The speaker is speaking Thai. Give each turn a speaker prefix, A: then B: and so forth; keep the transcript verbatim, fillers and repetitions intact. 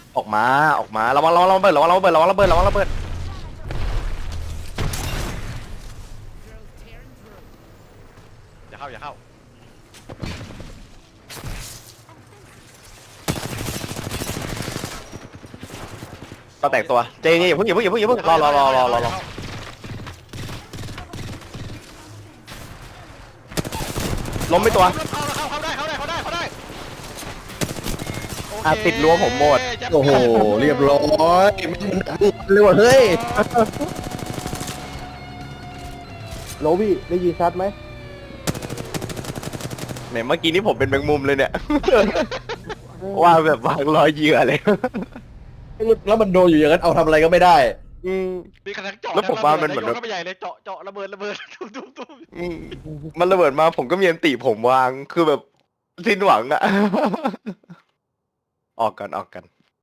A: ออกมาออกมาระวังระวังระวังระเบิดระวังระเบิดระวังระเบิดระวังระเบิดอย่าเข้าอย่าเข้าก็แตกตัวเจนี่อย่าเพิ่งอย่าเพิ่งอย่าเพิ่งอย่าเพิ่งรอรอรอรอรอรอล้มไปตัว
B: เข้าเข้าได้เข้าได้เข้าได้เข้าได้
A: อ่ะติดรั้วผมหมด
C: โอ้โหเรียบร้อยเรียกว่าเฮ้ยโลบี้ได้ยินชัดไหม
A: แหมเมื่อกี้นี่ผมเป็นแมงมุมเลยเนี่ย ว่าแบบวางรอยเหยื่อเลย
C: แล้วมันโดนอยู่อย่างนั้นเอาทำอะไรก็ไม่ได้
A: อืม
B: มีกระทั่งเจาะ
A: แล้วผมว่ามันเหมือน
B: โยเข้าไปใหญ่เลยเจาะเจาะระเบิดระเบิดตุ้มตุ้มตุ้ม
A: อืมมันระเบิดมาผมก็มีอันติผมวางคือแบบสิ้นหวังอะ ออกกันออกกัน